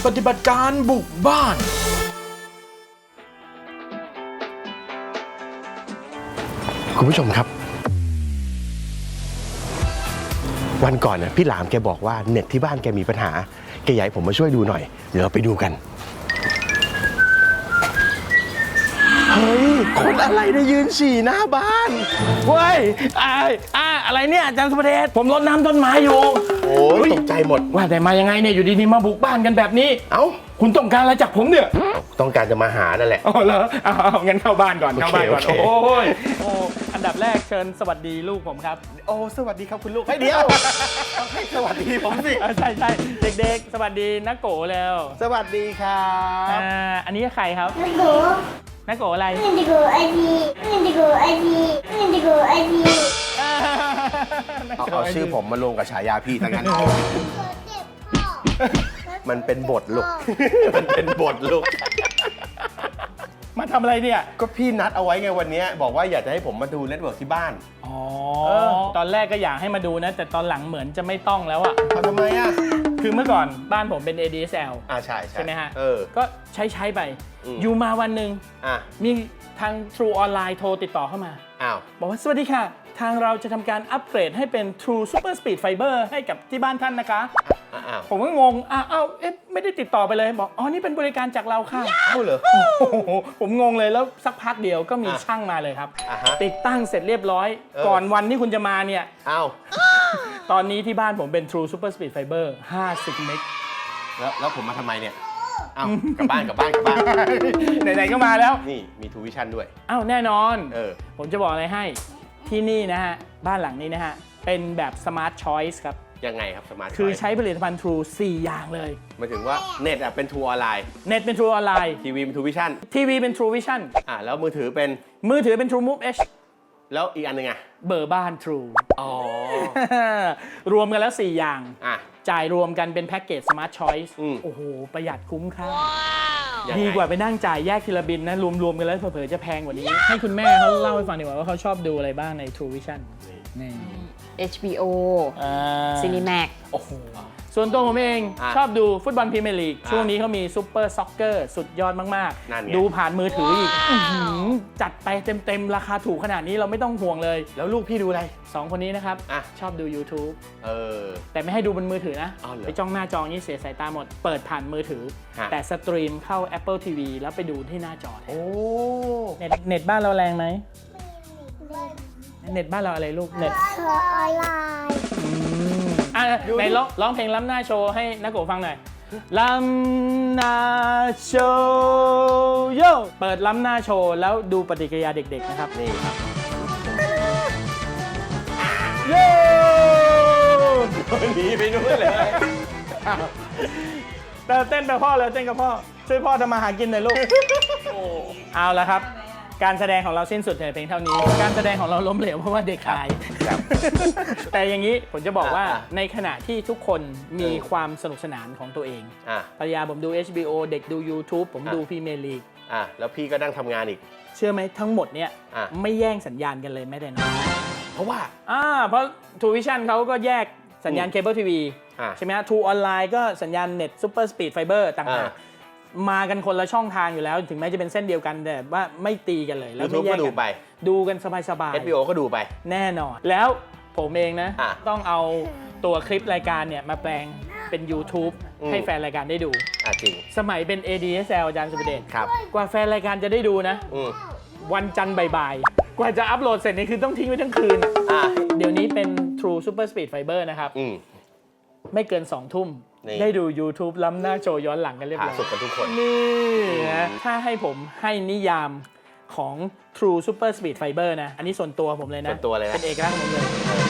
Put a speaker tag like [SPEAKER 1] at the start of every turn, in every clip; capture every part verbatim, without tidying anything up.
[SPEAKER 1] ปฏิบัติการบุกบ้าน
[SPEAKER 2] คุณผู้ชมครับวันก่อนน่ะพี่หลามแกบอกว่าเน็ตที่บ้านแกมีปัญหาแกอยากให้ผมมาช่วยดูหน่อยเดี๋ยวเราไปดูกันเฮ้ยคนอะไรเนี่ยยืนฉี่หน้าบ้าน
[SPEAKER 1] เฮ้ยอ่าอ่าอะไรเนี่ยอาจารย์สุภเดชผมรดน้ำต้นไม้อยู่
[SPEAKER 2] โอ้ยตกใจหมด
[SPEAKER 1] ว่าแต่มายังไงเนี่ยอยู่ดีๆมาบุกบ้านกันแบบนี้
[SPEAKER 2] เอ้า
[SPEAKER 1] คุณต้องการอะไรจากผมเนี่ย
[SPEAKER 2] ต้องการจะมาหานั่นแหละ
[SPEAKER 1] อ๋อเหรอเอาเอางั้นเข้าบ้านก่อนเข้าบ้านก่อนโอ้ยโอ้อันดับแรกเชิญสวัสดีลูกผมครับ
[SPEAKER 2] โอ้สวัสดีครับคุณลูกให้เดียวต้องให้สวัสดีผมสิ
[SPEAKER 1] ใช่ใช่เด็กๆสวัสดีนักโกแล้ว
[SPEAKER 2] สวัสดีครับ
[SPEAKER 1] อ่าอันนี้ใครครับ
[SPEAKER 3] นักโก
[SPEAKER 1] นักโกอะไร
[SPEAKER 3] นักโกไอพีนักโกไอพีนักโกไอพี
[SPEAKER 2] เอาชื่อผมมาลงกับฉายาพี่ทั้งนั้นมันเป็นบทลูกมันเป็นบทลูก
[SPEAKER 1] มาทำอะไรเนี่ย
[SPEAKER 2] ก็พี่นัดเอาไว้ไงวันนี้บอกว่าอยากจะให้ผมมาดูเน็ตเวิร์กที่บ้าน
[SPEAKER 1] อ๋อตอนแรกก็อยากให้มาดูนะแต่ตอนหลังเหมือนจะไม่ต้องแล้วอะ
[SPEAKER 2] ทำไมอะ
[SPEAKER 1] คือเมื่อก่อนบ้านผมเป็น เอ ดี เอส แอล
[SPEAKER 2] อ่าใช่
[SPEAKER 1] ใช่ไหมฮะ
[SPEAKER 2] เออ
[SPEAKER 1] ก็ใช้ใช้ไปอยู่มาวันหนึ่งมีทาง True ออนไลน์โทรติดต่อเข้ามา
[SPEAKER 2] อ้าว
[SPEAKER 1] บอกว่าสวัสดีค่ะทางเราจะทำการอัปเกรดให้เป็น True Super Speed Fiber ให้กับที่บ้านท่านนะคะผมก็งงอ้าวอ้าวเอ๊ะไม่ได้ติดต่อไปเลยบอกอ๋อนี่เป็นบริการจากเราค่ะ
[SPEAKER 2] อ้าวเหรอ
[SPEAKER 1] ผมงงเลยแล้วสักพักเดียวก็มีช่างมาเลยครับติดตั้งเสร็จเรียบร้อยก่อนวันที่คุณจะมาเนี่ย
[SPEAKER 2] อ้าว
[SPEAKER 1] ตอนนี้ที่บ้านผมเป็น True Super Speed Fiber ห้าสิบเมก
[SPEAKER 2] แล้วแล้วผมมาทำไมเนี่ยอ้าวกลับบ้านกลับบ้านกลับบ้าน
[SPEAKER 1] ไหนๆก็มาแล้ว
[SPEAKER 2] นี่มีทูวิชั่นด้วย
[SPEAKER 1] อ้าวแน่นอน
[SPEAKER 2] เออ
[SPEAKER 1] ผมจะบอกอะไรให้ที่นี่นะฮะบ้านหลังนี้นะฮะเป็นแบบ Smart Choice ครับ
[SPEAKER 2] ยังไงครับสมาร์ท
[SPEAKER 1] คือใช้ผลิตภัณฑ์ True สี่ อย่างเลย
[SPEAKER 2] หมายถึงว่าเน็ตอ่ะเป็น True ออนไลน์
[SPEAKER 1] เน็ตเป็น True ออนไลน์
[SPEAKER 2] ทีวีเป็น True Vision
[SPEAKER 1] ทีวีเป็น True Vision
[SPEAKER 2] อ่าแล้วมือถือเป็น
[SPEAKER 1] มือถือเป็น True Move Edge
[SPEAKER 2] แล้วอีกอันนึงอ่ะ
[SPEAKER 1] เบอร์บ้าน True
[SPEAKER 2] อ๋อ
[SPEAKER 1] รวมกันแล้วสี่อย่าง
[SPEAKER 2] อ่ะ
[SPEAKER 1] จ่ายรวมกันเป็นแพ็กเกจ Smart Choice โอ้โหประหยัดคุ้มค่าดีกว่าไปนั่งจ่ายแยกทีละบินนะรวมๆกันแล้วเผลอๆจะแพงกว่านี้ให้คุณแม่เขาเล่าให้ฟังดีกว่าว่าเขาชอบดูอะไรบ้างใน True Vision นี่
[SPEAKER 4] เอช บี โอ Cinemax
[SPEAKER 1] โอ้โหส่วนตัวผมเองชอบดูฟุตบอลพรีเมียร์ลีกช่วงนี้เขามีซุปเปอร์ซ็อกเกอร์สุดยอดมากๆดูผ่านมือถืออีกจัดไปเต็มๆราคาถูกขนาดนี้เราไม่ต้องห่วงเลย
[SPEAKER 2] แล้วลูกพี่ดูอะไร
[SPEAKER 1] สองคนนี้นะครับชอบดู YouTube
[SPEAKER 2] เออ
[SPEAKER 1] แต่ไม่ให้ดูบนมือถือนะไปจ้องหน้าจอนี่เสียสายตาหมดเปิดผ่านมือถือแต่สตรีมเข้า Apple ที วี แล้วไปดูที่หน้าจอโอ้เน็ตเน็ตบ้านเราแรงไหมเน็ตบ้านเราอะไรลูกเน็ต
[SPEAKER 3] ออนไลน์
[SPEAKER 1] อ่ะไหนร้องร้องเพลงล้ำหน้าโชว์ให้นักโกฟังหน่อยล้ำหน้าโชว์โยเปิดล้ำหน้าโชว์แล้วดูปฏิกิริยาเด็กๆนะครับนี่ครับโย่
[SPEAKER 2] หนีไปนู่นเลย
[SPEAKER 1] แต่เต้นไปพ่อเลยเต้นกับพ่อช่วยพ่อทำมาหากินหน่อยลูกเอาละครับการแสดงของเราสิ้นสุดแต่เพียงเท่านี้การแสดงของเราล้มเหลวเพราะว่าเด็กขายแต่อย่างนี้ผมจะบอกว่าในขณะที่ทุกคนมีความสนุกสนานของตัวเองภรรยาผมดู เอช บี โอ เด็กดู YouTube ผมดูพรีเมียร์ลีก
[SPEAKER 2] อ่ะแล้วพี่ก็นั่งทำงานอีก
[SPEAKER 1] เชื่อไหมทั้งหมดเนี่ยไม่แย่งสัญญาณกันเลยแม้แต่น้อย
[SPEAKER 2] เพราะว่า
[SPEAKER 1] อ่าเพราะ True Vision เขาก็แยกสัญญาณเคเบิลทีวีใช่ไหมฮะ True ออนไลน์ก็สัญญาณเน็ตซุปเปอร์สปีดไฟเบอร์ต่างหากมากันคนละช่องทางอยู่แล้วถึงแม้จะเป็นเส้นเดียวกันแต่ว่าไม่ตีกันเลย
[SPEAKER 2] แล้วไม่แยกกันดูไป
[SPEAKER 1] ดูกันสบายๆ
[SPEAKER 2] เอช บี โอ ก็ดูไป
[SPEAKER 1] แน่นอนแล้วผมเองนะต้องเอาตัวคลิปรายการเนี่ยมาแปลงเป็น YouTube ให้แฟนรายการได้ดู
[SPEAKER 2] จริง
[SPEAKER 1] สมัยเป็น เอ ดี เอส แอล อาจารย์สุภเดช
[SPEAKER 2] ครับ
[SPEAKER 1] กว่าแฟนรายการจะได้ดูนะวันจันทร์บ่ายๆกว่าจะอัปโหลดเสร็จนี่คือต้องทิ้งไว้ทั้งคืนเดี๋ยวนี้เป็น True Super Speed Fiber นะครับไม่เกินสองทุ่มได้ดู YouTube ล้ำหน้าโชว์ย้อนหลังกันเรียบร้อย
[SPEAKER 2] สุดกันทุกคน
[SPEAKER 1] นี่นะถ้าให้ผมให้นิยามของ True Super Speed Fiber นะอันนี้ส่วนตัวผมเลยนะ
[SPEAKER 2] ส่วนตัวเลยนะ
[SPEAKER 1] เป็นเอกลักษณ์ของผมเลย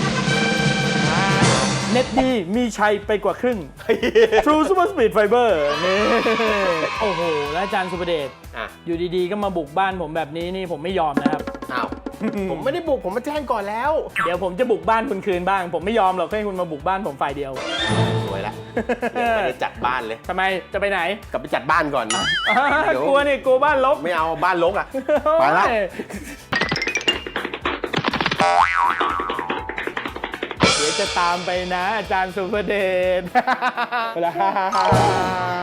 [SPEAKER 1] เน็ตดีมีชัยไปกว่าครึ่ง True Super Speed Fiber นี่โอ้โหแล้วอาจารย์สุภเดชอยู่ดีๆก็มาบุกบ้านผมแบบนี้นี่ผมไม่ยอมนะครับ
[SPEAKER 2] อ้าวผมไม่ได้บุกผมมาแจ้งก่อนแล้ว
[SPEAKER 1] เดี๋ยวผมจะบุกบ้านคุณคืนบ้างผมไม่ยอมหรอกให้คุณมาบุกบ้านผมฝ่ายเดียว
[SPEAKER 2] สวยละยังไม่ได้จัดบ้านเลย
[SPEAKER 1] ทำไมจะไปไหน
[SPEAKER 2] กลับไปจัดบ้านก่อน
[SPEAKER 1] กลัวนี่กลัวบ้านรก
[SPEAKER 2] ไม่เอาบ้านรกอ่ะไปละ
[SPEAKER 1] เดี๋ยวจะตามไปนะอาจารย์สุภเดช